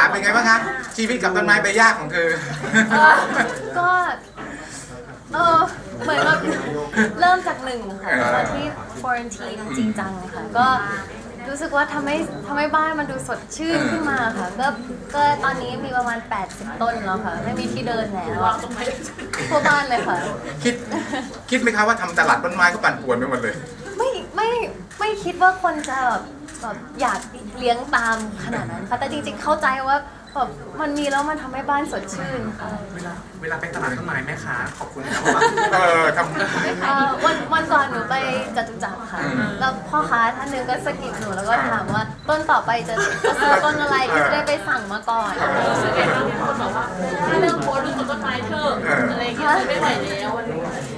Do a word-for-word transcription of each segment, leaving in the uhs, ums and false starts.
เป็นไงบ้างคะชีวิตกับต้นไม้ใบหญ้าของเธอก็เออเหมือนแบบเริ่มจากหนึ่งค่ะตอนที่ควอรันทีนจริงจังเลยค่ะก็รู้สึกว่าทำให้ทำให้บ้านมันดูสดชื่นขึ้นมาค่ะก็ก็ตอนนี้มีประมาณแปดสิบต้นแล้วค่ะไม่มีที่เดินแล้วทั่วบ้านเลยค่ะคิดคิดไหมคะว่าทำตลาดต้นไม้ก็ปั่นป่วนไปหมดเลยไม่ไม่ไม่คิดว่าคนจะแบบแบบอยากเลี้ยงตามขนาดนั้นค่ะแต่จริงๆเข้าใจว่าแบบมันมีแล้วมันทำให้บ้านสดชื่นค่ะเวลาเวลาไปตลาดต้นไม้แม่ค้าขอบคุณนะว่าเออทเอ่อวันวันก่อนหนูไปจตุจักรค่ะ แล้วพ่อค้าท่านหนึงก็สะกิดหนูแล้วก็ถามว่าต้นต่อไปจะจะซื้อต้นอะไรก็จะได้ไปสั่งมาก่อนรู้สึกไงบ้างที่คนบอกว่าถ้าเลิกโพสต์ดูต้นไม้เถอะอะไรอย่างเงี้ยไม่ไหวแล้ววันนี้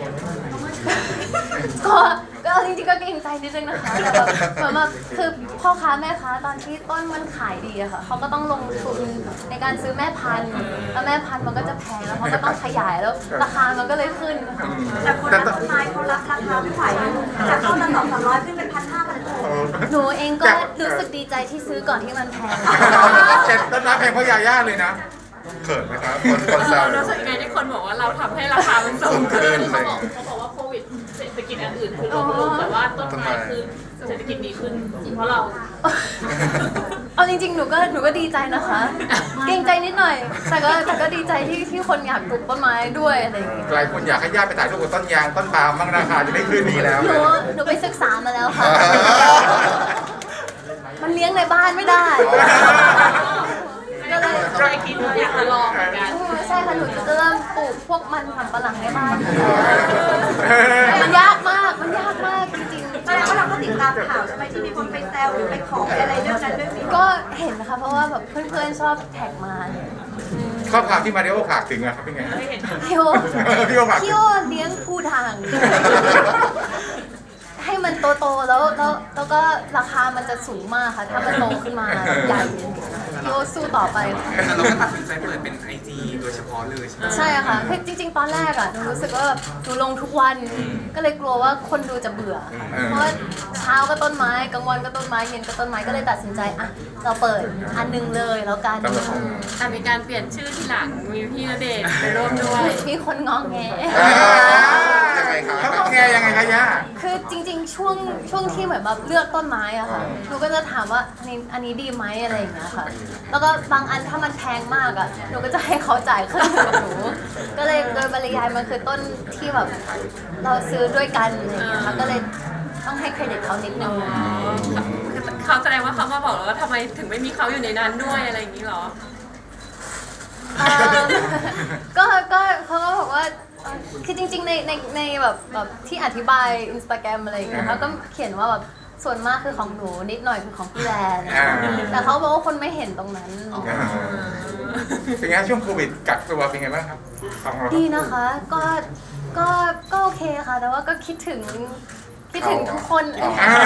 ก็ก็จริงๆก็เกรงใจนิดนึงนะคะแต่แบบเหมือนแบบคือพ่อค้าแม่ค้าตอนที่ต้นมันขายดีอะค่ะเขาก็ต้องลงทุนในการซื้อแม่พันธุ์แล้วแม่พันธุ์มันก็จะแพงแล้วเขาก็ต้องขยายแล้วราคามันก็เลยขึ้นค่ะำแต่คนรักต้นไม้เขารับราคาไม่ไหวจากต้นละสองสามร้อยขึ้นเป็นพันห้าพันหกหนูเองก็รู้สึกดีใจที่ซื้อก่อนที่มันแพงแต่ต้นไม้แพงเพราะยาย่าเลยนะเขินไหมครับคนคนแซวรู้สึกไงที่คนบอกว่าเราทำให้ราคามันสูงขึ้นเขาบอกเขาบอกว่าโควิดเศรษฐกิจอันอื่นคือลงลงแต่ว่าต้นไม้คือเศรษฐกิจดีขึ้นเพราะเราเอาจริงๆ หนูก็หนูก็ดีใจนะคะ เกรงใจนิดหน่อย แต่ก็แต่ก็ดีใจที่ที่คนอยากปลูกต้นไม้ด้วยอะไรอย่างเงี้ยหลายคนอยากให้ย่าไปถ่ายรูปกับต้นยางต้นปาล์มบ้างราคาจะได้ขึ้นดีแล้วหนูหนูไปศึกษามาแล้วค่ะ มันเลี้ยงในบ้านไม่ได้ ก็เลยใจคิดว่าอยากจะลองเหมือนกันใช่ค่ะ หนูจะเริ่มปลูกพวกมันสำปะหลังในบ้านแต่มันยากมาก มันยากมากจริงๆแสดงว่าเราก็ติดตามข่าวใช่ไหมที่มีคนไปแซวหรือไปขอไปอะไรเรื่องนั้นเรื่องนี้ก็เห็นนะคะ เพราะว่าแบบเพื่อนๆ ชอบแท็กมาข้อความที่มาริโอฝากถึงอะครับเป็นไงพี่โอพี่โอฝากถึพี่งโอเลี้ยงผู้ด่าง ให้มันโตๆแล้วแล้วแล้วก็ราคามันจะสูงมากค่ะ ถ้ามันโตขึ้นมาใหญ่พี่โอสู้ต่อไปค่ะแต่เราก็ตัดสินใจเปิดเป็นไอจีโดยเฉพาะเลยใช่ไหมใช่อะค่ะคือจริงๆ ตอนแรกอะหนูรู้สึกว่าหนูลงทุกวัน ก็เลยกลัวว่าคนดูจะเบื่อค่ะเพราะว่าเช้าก็ต้นไม้กลางวันก็ต้นไม้เย็นก็ต้นไม้ก็เลยตัดสินใจอะเราเปิดอันหนึงเลยแล้วกันแต่มีการเปลี่ยนชื่อทีหลังมีพี่ณเดชน์ไปร่วมด้วยมีคนงองแงยังไงครับเขาแงยังไงคะย่าคือจริงๆ ช่วงช่วงที่เหมือนแบบเลือกต้นไม้อะค่ะหนูก็จะถามว่าอันนี้อันนี้ดีไหมอะไรอย่างเงี้ยค่ะ แล้วก็บางอันถ้ามันแพงมากอะหนูก็จะให้เขาจ่ายครึ่งหนึ่งกับหนู ก็เลยโดยปริยายมันคือต้นที่แบบเราซื้อด้วยกันอะไรอย่างเงี้ยค่ะก็เลยต้องให้เครดิตเขานิดนึงคือเขาแสดงว่าเขามาบอกแล้วว่าทำไมถึงไม่มีเขาอยู่ในนั้นด้วยอะไรอย่างนี้เหรอเอิ่มก็ก็เขาก็บอกว่าเอ่อคือจริงๆ ในในในแบบแบบที่อธิบายอินสตาแกรมอะไรอย่างเงี้ยเขาก็เขียนว่าแบบส่วนมากคือของหนูนิดหน่อยคือของพี่แดนอ่าแต่เขาบอกว่าคนไม่เห็นตรงนั้นเป็นไงช่วงโควิดกักตัวเป็นไงบ้างครับของเราดีนะคะ ก็ ก็ ก็โอเคค่ะ แต่ว่าก็คิดถึง คิดถึงทุกคนอ่า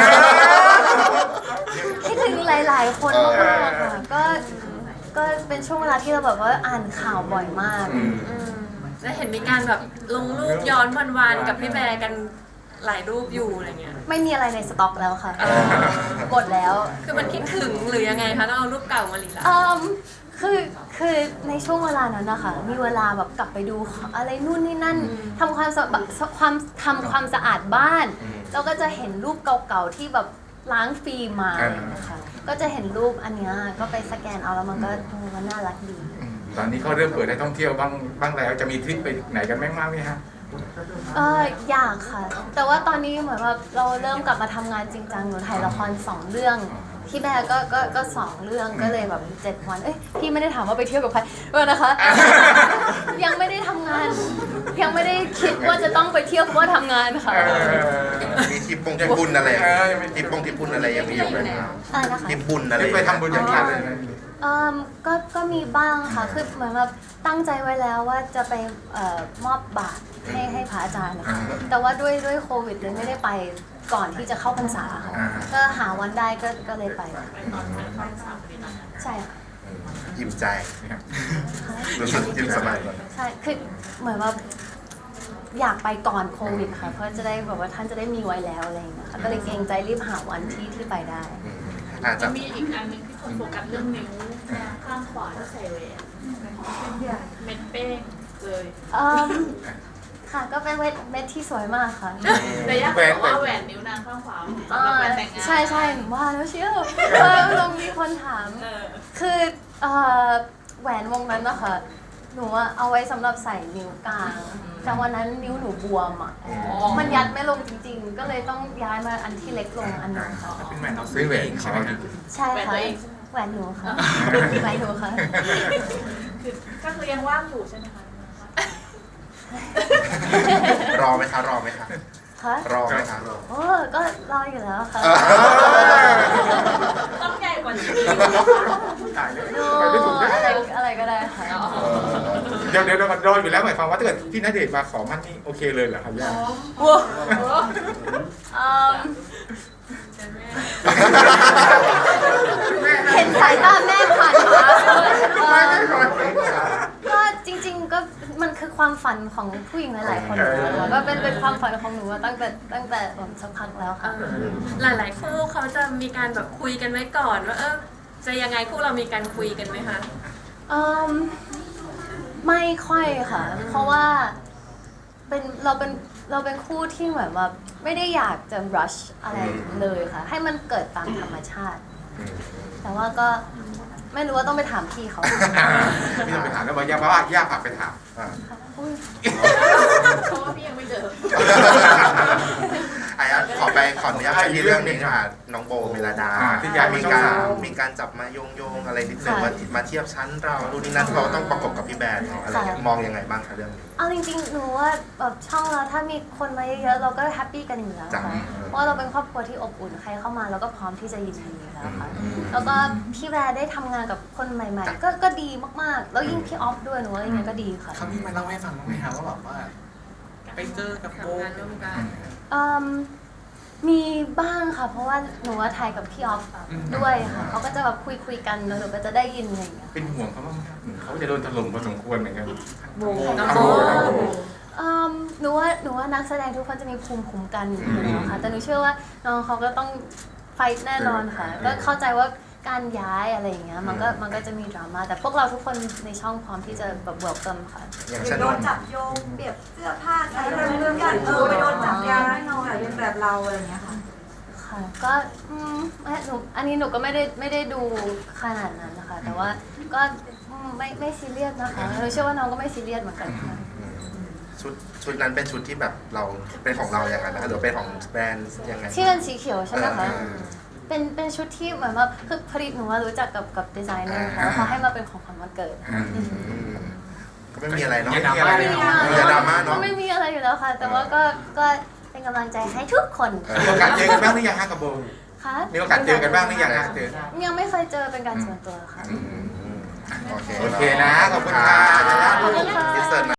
คิดถึงหลาย ๆ คนมากๆค่ะ ก็ ก็เป็นช่วงเวลาที่เราแบบว่าอ่านข่าวบ่อยมากอืมอืมแล้วเห็นมีการแบบลงรูปย้อนวันๆกับพี่แบร์กันหลายรูปอยู่อะไรเงี้ยไม่มีอะไรในสต็อกแล้วค่ะ หมดแล้วคือมันคิดถึงหรือยังไงคะต้องเอารูปเก่ามารีลันเอ่มคือ คือในช่วงเวลานั้นนะคะ มีเวลาแบบกลับไปดูอะไรนู่นนี่นั่นทำความสะความทำความสะอาดบ้าน แล้วก็จะเห็นรูปเก่าๆที่แบบล้างฟิล์มมานะคะก็จะเห็นรูปอันเนี้ยก็ไปสแกนเอาแล้วมันก็เออมันน่ารักดีอืมตอนนี้เขาเริ่มเปิดให้ท่องเที่ยวบ้างบ้างแล้วจะมีทริปไปไหนกันบ้างไหมฮะเอออยากค่ะ แต่ว่าตอนนี้เหมือนว่าเราเริ่มกลับมาทำงานจริงจังหนูถ่ายละครสองเรื่องพี่แบร์ก็ก็ก็สองเรื่องก็เลยแบบเจ็ดวันเอ้ยพี่ไม่ได้ถามว่าไปเที่ยวกับใครเออนะคะ ยังไม่ได้ทำงาน ยังไม่ได้คิดว่าจะต้องไปเที่ยวเพราะว่าทำงานค่ะเออมีทริปปงทริปบุญอะไรเออยังไม่ทริปปงทริปบุญอะไรยังมีอยู่ไหมครับอะไรนะคะทริปบุญอะไรทริปไปทำบุญอย่างไรเลยนะเอ่มก็ ก็มีบ้างค่ะ คือเหมือนแบบตั้งใจไว้แล้วว่าจะไปเอ่อมอบบาตรให้ให้พระอาจารย์นะคะ แต่ว่าด้วยด้วยโควิดเลยไม่ได้ไปก่อนที่จะเข้าพรรษาค่ะ ก็หาวันได้ก็ ก็เลยไป ใช่ค่ะยิ้มใจรู้สึกยิ้มสบายก่อนใช่ คือเหมือนว่าอยากไปก่อนโควิดค่ะ เพราะจะได้แบบว่าท่านจะได้มีไว้แล้วอะไรอย่างเงี้ยค่ะ ก็เลยเกรงใจรีบหาวันที่ที่ไปได้อาจจะจะมีอีกอันหนึงที่คนโฟกัสเรื่องนิ้วข้างขวาที่ใส่แหวนเม็ดเป้งเลยเอิ่มค่ะก็เป็นเม็ดเม็ดที่สวยมากค่ะแต่ย่าบอกว่าแหวนนิ้วนางข้างขวาสำหรับแหวนแต่งงานใช่ใช่หนูว่าแล้วเชียวว่าลงมีคนถามเออคือเอ่อแหวนวงนั้นนะคะหนูอะเอาไว้สำหรับใส่นิ้วกลาง แต่วันนั้นนิ้วหนูบวมอ่ะ มันยัดไม่ลงจริงๆ ก็เลยต้องย้ายมาอันที่เล็กลงอันนึงค่ะเป็นแหวนเราซื้อเองใช่ไหมครับใช่ค่ะแหวนหนูค่ะแหวนหนูค่ะคือก็คือยังว่างอยู่ใช่ไหมคะรอไหมคะรอไหมคะคะรอไหมคะโอ้ก็รออยู่แล้วค่ะต้องใหญ่กว่านี้ตายเลยโอ้ไปไม่ถูกนะอะไรอะไรก็ได้ค่ะเดี๋ยวเดี๋ยวเรารออยู่แล้วหมายความว่าถ้าเกิดพี่ณเดชน์มาขอมั่นนี่โอเคเลยเหรอครับย่าว้าวอืมเห็นสายตาแม่ผ่านมาก็จริงๆก็มันคือความฝันของผู้หญิงหลายๆคนแล้วก็เป็นเป็นความฝันของหนูมาตั้งแต่ตั้งแต่แบบสักพักแล้วค่ะหลายๆคู่เขาจะมีการแบบคุยกันไว้ก่อนว่าเออจะยังไงคู่เรามีการคุยกันไหมคะอืมไม่ค่อยค่ะ เพราะว่าเป็นเราเป็นเราเป็นคู่ที่เหมือนแบบไม่ได้อยากจะ rush อะไรเลยค่ะ ให้มันเกิดตามธรรมชาติ แต่ว่าก็ไม่รู้ว่าต้องไปถามพี่เขาพี่ต้องไปถามแล้วบอกย่าเพราะว่าย่าฝากไปถามอ่าอุ๊ยเพราะว่าพี่ยังไม่เจอไอ้อะขอไปขออนุญาตไปที่เรื่องหนึงค่ะน้องโบเมลดาอ่าที่ย้ายมามีช่องการสามมีการจับมาโยงโยงๆอะไรนิดนึงว่ามาเทียบชั้นเราดูนี่นั่นเขาต้องประกบกับพี่แบร์เขาอะไรเงี้ยมองยังไงบ้างคะเรื่องนี้เอาจริงๆ หนูว่าแบบช่องเราถ้ามีคนมาเยอะๆ เราก็แฮปปี้กันอยู่แล้วจ้ะค่ะ เพราะว่าเราเป็นครอบครัวที่อบอุ่น ใครเข้ามาเราก็พร้อมที่จะยินดีอยู่แล้วค่ะ แล้วก็พี่แบร์ได้ทำงานกับคนใหม่ๆ ก็ก็ดีมากๆ แล้วยิ่งพี่ออฟด้วยหนูว่ายังไงก็ดีค่ะเขามีมาเล่าให้ฟังบ้างไหมคะว่าแบบว่าไปเจอกับโบทำงานร่วมกันอืมมีบ้างค่ะ เพราะว่าหนูว่าถ่ายกับพี่ออฟด้วยค่ะ เขาก็จะแบบคุยคุยๆกันแล้วหนูก็จะได้ยินอะไรอย่างเงี้ยเป็นห่วงเขาบ้างไหมครับเขาจะโดนถล่มพอสมควรเหมือนกันน้องโบโบน้องโบอืมหนูว่าหนูว่านักแสดงทุกคนจะมีภูมิคุ้มกันอยู่แล้วค่ะ แต่หนูเชื่อว่าน้องเขาก็ต้องไฟท์แน่นอนค่ะ ก็เข้าใจว่าการย้ายอะไรอย่างเงี้ยมันก็มันก็จะมีดราม่า แต่พวกเราทุกคนในช่องพร้อมที่จะแบบเวลคัมค่ะอย่างหรืเช่อน โดนจับโยงเปรียบเสื้อผ้าใช้อะไรเรื่องกันเออไปโดนจับยาแน่นอนเป็นแบบเราอะไรอย่างเงี้ยค่ะค่ะ ก็อืมไม่หนูอันนี้หนูก็ไม่ได้ไม่ได้ดูขนาดนั้นนะคะ แต่ว่าก็อืมไม่ไม่ซีเรียสนะคะหนูเชื่อว่าน้องก็ไม่ซีเรียสเหมือนกันค่ะชุดชุดนั้นเป็นชุดที่แบบเราเป็นของเราอย่างนั้นนะคะหรือเป็นของแบรนด์ยังไงที่เป็นสีเขียวใช่ไหมคะเออเป็นเป็นชุดที่เหมือนว่าคือผลิตหนูว่ารู้จักกับกับดีไซเนอร์ค่ะแล้วเขาให้มาเป็นของขวัญวันเกิดอืมก็ไม่มีอะไรเนาะอย่าดราม่าเลยเนาะอย่าดราม่าเนอะก็ไม่มีอะไรอยู่แล้วค่ะ แต่ว่าก็ก็เป็นกำลังใจให้ทุกคนเออมีโอกาสเจอกันบ้างหรือยังฮะกับโบค่ะมีโอกาสเจอกันบ้างหรือยังฮะเจอยังไม่เคยเจอเป็นการส่วนตัวค่ะอืมโอเคโอเคนะ ขอบคุณค่ะขอบคุณค่ะอินเสิร์ต